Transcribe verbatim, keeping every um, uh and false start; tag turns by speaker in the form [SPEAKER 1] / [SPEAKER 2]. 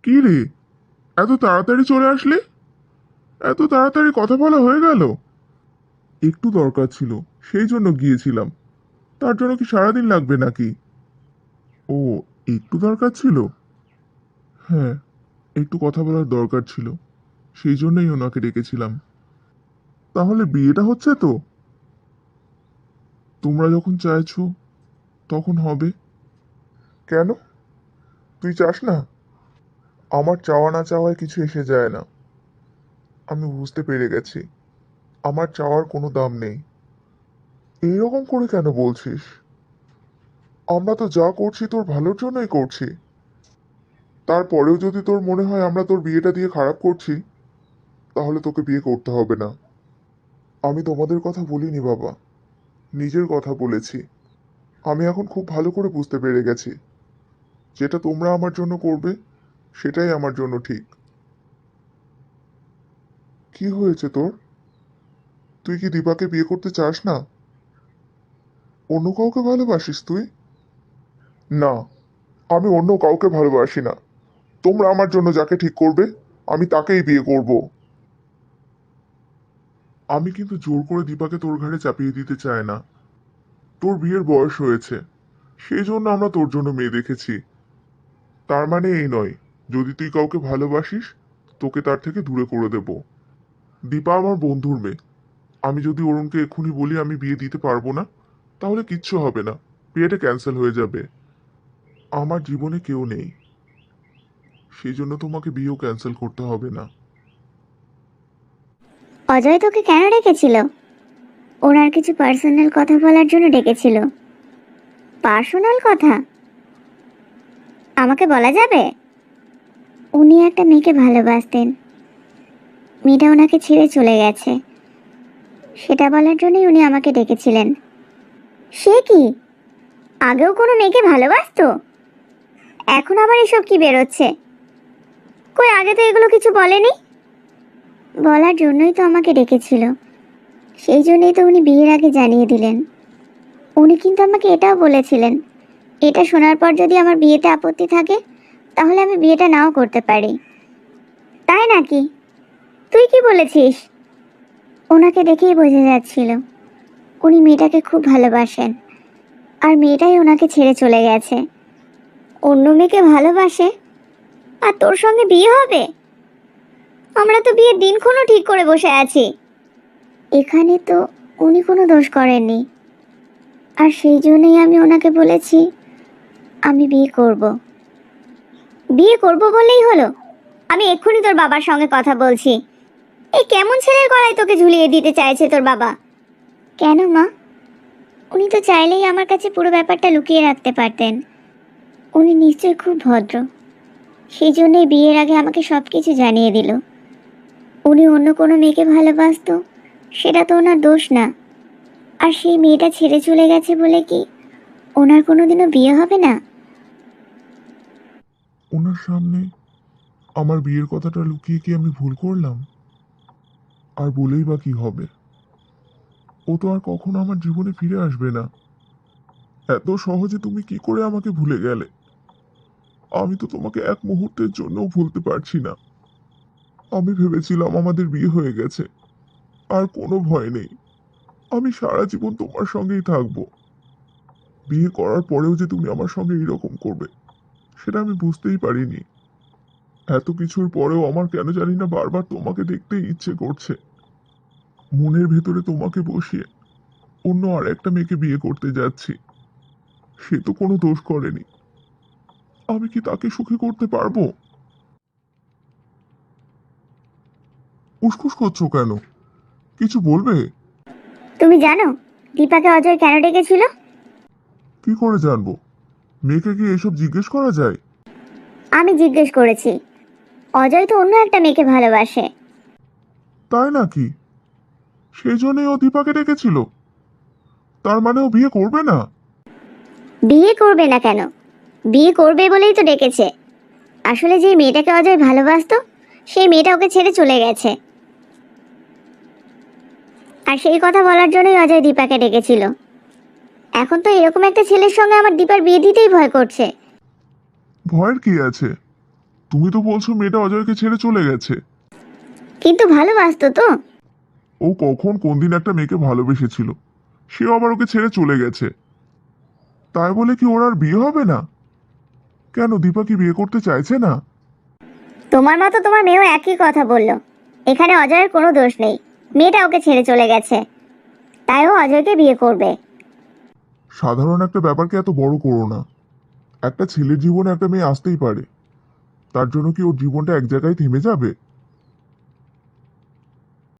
[SPEAKER 1] কি রে, এত তাড়াতাড়ি চলে আসলে? এত তাড়াতাড়ি কথা বলা হয়ে গেল? একটু দরকার ছিল, সেই জন্য গিয়েছিলাম। তার জন্য কি সারাদিন লাগবে নাকি? ও, একটু দরকার ছিল। হ্যাঁ, একটু কথা বলার দরকার ছিল, সেই জন্যই ওনাকে ডেকেছিলাম। তাহলে বিয়েটা হচ্ছে তো? তোমরা যখন চাইছো তখন হবে। কেন, তুই চাস না? আমার চাওয়া না চাওয়ায় কিছু এসে যায় না। আমি বুঝতে পেরে গেছি, আমার চাওয়ার কোনো দাম নেই। এইরকম করে কেন বলছিস? আমরা তো যা করছি তোর ভালোর জন্যই করছি। তারপরেও যদি তোর মনে হয় আমরা তোর বিয়েটা দিয়ে খারাপ করছি, তাহলে তোকে বিয়ে করতে হবে না। আমি তোমাদের কথা বলিনি বাবা, নিজের কথা বলেছি। আমি এখন খুব ভালো করে বুঝতে পেরে গেছি, যেটা তোমরা আমার জন্য করবে সেটাই আমার জন্য ঠিক। কি হয়েছে তোর? তুই কি দীপাকে বিয়ে করতে চাস না? অন্য কাউকে ভালোবাসিস তুই? না, আমি অন্য কাউকে ভালোবাসি না। তোমরা আমার জন্য যাকে ঠিক করবে আমি তাকেই বিয়ে করব। আমি কিন্তু জোর করে দীপাকে তোর ঘাড়ে চাপিয়ে দিতে চাই না। তোর বিয়ের বয়স হয়েছে, সেই জন্য আমরা তোর জন্য মেয়ে দেখেছি। তার মানে এই নয়, যদি তুই কাউকে ভালোবাসিস তোকে তার থেকে দূরে করে দেব। দীপা আমার বন্ধুর মেয়ে। আমি যদি অরুণকে এক্ষুনি বলি আমি বিয়ে দিতে পারবো না, তাহলে কিচ্ছু হবে না, বিয়েটা ক্যান্সেল হয়ে যাবে। আমার জীবনে কেউ নেই, সেই জন্য তোমাকে বিয়েও ক্যান্সেল করতে হবে না।
[SPEAKER 2] অজয় তোকে কেন ডেকেছিল? ওনার কিছু পার্সোনাল কথা বলার জন্য ডেকেছিল। পার্সোনাল কথা আমাকে বলা যাবে? উনি একটা মেয়েকে ভালোবাসতেন, মেয়েটা ওনাকে ছেড়ে চলে গেছে, সেটা বলার জন্যই উনি আমাকে ডেকেছিলেন। সে কি, আগেও কোনো মেয়েকে ভালোবাসতো? এখন আবার এসব কি বেরোচ্ছে? কই, আগে তো এগুলো কিছু বলেনি। বলার জন্যই তো আমাকে ডেকেছিল, সেই জন্যই তো উনি বিয়ের আগে জানিয়ে দিলেন। উনি কিন্তু আমাকে এটাও বলেছিলেন, এটা শোনার পর যদি আমার বিয়েতে আপত্তি থাকে তাহলে আমি বিয়েটা নাও করতে পারি। তাই নাকি? তুই কি বলেছিস? ওনাকে দেখেই বোঝা যাচ্ছিল উনি মেয়েটাকে খুব ভালোবাসেন, আর মেয়েটাই ওনাকে ছেড়ে চলে গেছে, অন্য মেয়েকে ভালোবাসে। আর তোর সঙ্গে বিয়ে হবে? আমরা তো বিয়ের দিনক্ষণও ঠিক করে বসে আছি। এখানে তো উনি কোনো দোষ করেননি, আর সেই জন্যই আমি ওনাকে বলেছি আমি বিয়ে করব। বিয়ে করব বলেই হলো? আমি এক্ষুনি তোর বাবার সঙ্গে কথা বলছি। এই কেমন ছেলের গলায় তোকে ঝুলিয়ে দিতে চাইছে তোর বাবা? কেন মা, উনি তো চাইলেই আমার কাছে পুরো ব্যাপারটা লুকিয়ে রাখতে পারতেন। উনি নিশ্চয়ই খুব ভদ্র, সেই জন্যই বিয়ের আগে আমাকে সব কিছু জানিয়ে দিল। উনি অন্য কোনো মেয়েকে ভালোবাসতো, সেটা তো ওনার দোষ না। আর সেই মেয়েটা ছেড়ে চলে গেছে বলে কি ওনার কোনোদিনও বিয়ে হবে না?
[SPEAKER 1] ওনার সামনে আমার বিয়ের কথাটা লুকিয়ে কি আমি ভুল করলাম? আর বলেই বা কি হবে? ও তো আর কখনো আমার জীবনে ফিরে আসবে না। এত সহজে তুমি কি করে আমাকে ভুলে গেলে? আমি তো তোমাকে এক মুহূর্তের জন্যও ভুলতে পারছি না। আমি ভেবেছিলাম আমাদের বিয়ে হয়ে গেছে, আর কোনো ভয় নেই, আমি সারা জীবন তোমার সঙ্গেই থাকবো। বিয়ে করার পরেও যে তুমি আমার সঙ্গে এরকম করবে সেটা আমি বুঝতেই পারিনি। এত কিছুর পরেও আমার কেন জানি না বারবার তোমাকে দেখতেই ইচ্ছে করছে। মনের ভেতরে তোমাকে বসিয়ে অন্য আর একটা মেয়েকে বিয়ে করতে যাচ্ছি। সে তো কোনো দোষ করেনি, আমি কি তাকে সুখী করতে পারবো? উসখুস করছো কেন? কিছু বলবে?
[SPEAKER 2] তুমি জানো দীপাকে অজয় কেন ডেকেছিল?
[SPEAKER 1] কি করে জানবো? মেয়েকে কি এসব জিজ্ঞেস করা যায়?
[SPEAKER 2] আমি জিজ্ঞেস করেছি। অজয় তো অন্য একটা মেয়েকে ভালোবাসে।
[SPEAKER 1] তাই নাকি? সেই জন্যই ও দীপাকে ডেকেছিল? তার মানে ও বিয়ে করবে না?
[SPEAKER 2] বিয়ে করবে না কেন, বিয়ে করবে বলেই তো ডেকেছে। আসলে যে মেয়েটাকে অজয় ভালোবাসতো সেই মেয়েটা ওকে ছেড়ে চলে গেছে, আর সেই কথা বলার জন্যই অজয় দীপাকে ডেকেছিল। এখন তো এরকম একটা ছেলের সঙ্গে আমার দীপার বিয়ে দিতেই ভয় করছে।
[SPEAKER 1] ভয়ের কি আছে? তুমি তো বলছো মেয়েটা অজয়কে ছেড়ে চলে গেছে।
[SPEAKER 2] কিন্তু ভালোবাসতো তো।
[SPEAKER 1] ও কখন কোন দিন একটা মেয়েকে ভালোবেসেছিল, সেও আবার ওকে ছেড়ে চলে গেছে। তাই বলে কি ওর আর বিয়ে হবে না? কেন, দীপা কি বিয়ে করতে চাইছে না?
[SPEAKER 2] তোমার মতো তোমার মেয়েও একই কথা বললো। এখানে অজয়ের কোনো দোষ নেই, মেয়েটা ওকে ছেড়ে চলে গেছে, তাই ও অজয়কে বিয়ে করবে।
[SPEAKER 1] সাধারণ একটা ব্যাপারকে এত বড় করো না। একটা ছেলের জীবনে একটা মেয়ে আসতেই পারে, তার জন্য কি ওর জীবনটা এক জায়গায় থেমে যাবে?